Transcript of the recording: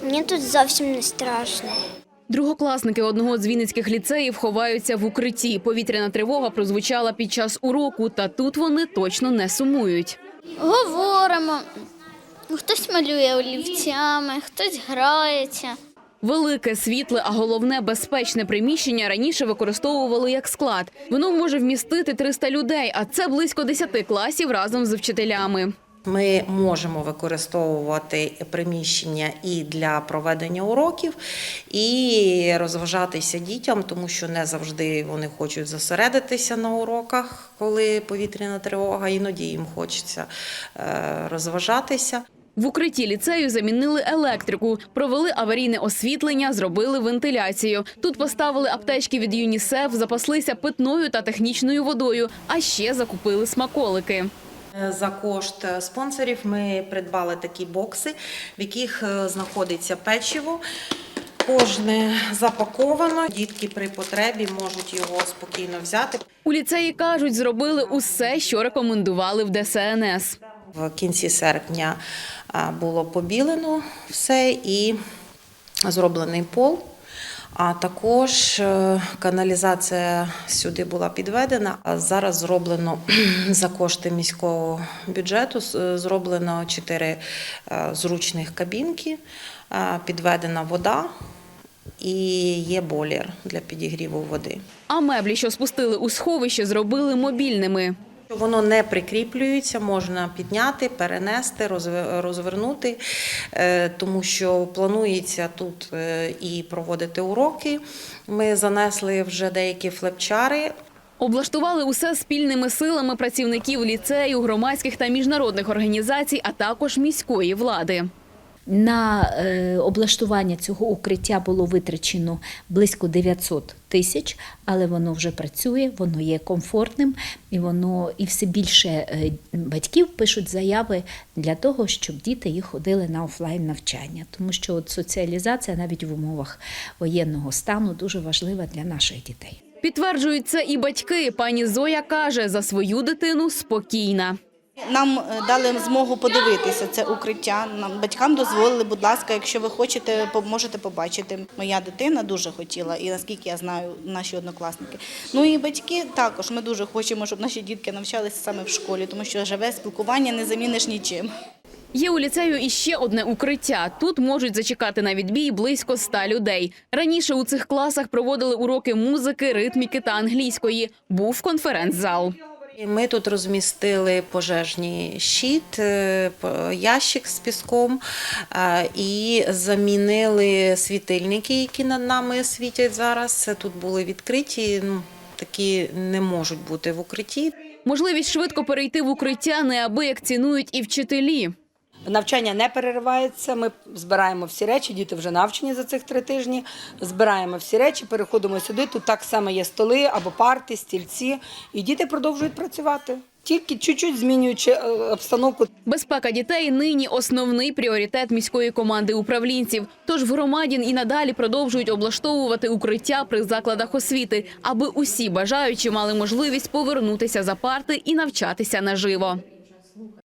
Мені тут зовсім не страшно. Другокласники одного з вінницьких ліцеїв ховаються в укритті. Повітряна тривога прозвучала під час уроку, та тут вони точно не сумують. Говоримо, хтось малює олівцями, хтось грається. Велике, світле, а головне – безпечне приміщення раніше використовували як склад. Воно може вмістити 300 людей, а це близько 10 класів разом з вчителями. Ми можемо використовувати приміщення і для проведення уроків, і розважатися дітям, тому що не завжди вони хочуть зосередитися на уроках, коли повітряна тривога, іноді їм хочеться розважатися. В укритті ліцею замінили електрику, провели аварійне освітлення, зробили вентиляцію. Тут поставили аптечки від ЮНІСЕФ, запаслися питною та технічною водою, а ще закупили смаколики. За кошт спонсорів ми придбали такі бокси, в яких знаходиться печиво. Кожне запаковано, дітки при потребі можуть його спокійно взяти. У ліцеї, кажуть, зробили усе, що рекомендували в ДСНС. В кінці серпня було побілено все і зроблений пол. А також каналізація сюди була підведена. А зараз зроблено за кошти міського бюджету, зроблено 4 зручних кабінки, підведена вода і є бойлер для підігріву води. А меблі, що спустили у сховище, зробили мобільними. Воно не прикріплюється, можна підняти, перенести, розвернути, тому що планується тут і проводити уроки. Ми занесли вже деякі флепчари. Облаштували усе спільними силами працівників ліцею, громадських та міжнародних організацій, а також міської влади. На облаштування цього укриття було витрачено близько 900 тисяч, але воно вже працює, воно є комфортним і все більше батьків пишуть заяви для того, щоб діти їх ходили на офлайн навчання. Тому що от соціалізація навіть в умовах воєнного стану дуже важлива для наших дітей. Підтверджують це і батьки. Пані Зоя каже, за свою дитину спокійна. Нам дали змогу подивитися це укриття. Нам батькам дозволили, будь ласка, якщо ви хочете, можете побачити. Моя дитина дуже хотіла, і наскільки я знаю, наші однокласники. Ну і батьки також. Ми дуже хочемо, щоб наші дітки навчалися саме в школі, тому що живе спілкування не заміниш нічим. Є у ліцею іще одне укриття. Тут можуть зачекати на відбій близько 100 людей. Раніше у цих класах проводили уроки музики, ритміки та англійської. Був конференц-зал. Ми тут розмістили пожежний щит, ящик з піском і замінили світильники, які над нами світять зараз. Тут були відкриті, такі не можуть бути в укритті. Можливість швидко перейти в укриття неабияк цінують і вчителі. Навчання не переривається, ми збираємо всі речі, діти вже навчені за цих 3 тижні, збираємо всі речі, переходимо сюди, тут так само є столи або парти, стільці, і діти продовжують працювати, тільки чуть-чуть змінюючи обстановку. Безпека дітей нині основний пріоритет міської команди управлінців. Тож в громаді і надалі продовжують облаштовувати укриття при закладах освіти, аби усі бажаючі мали можливість повернутися за парти і навчатися наживо.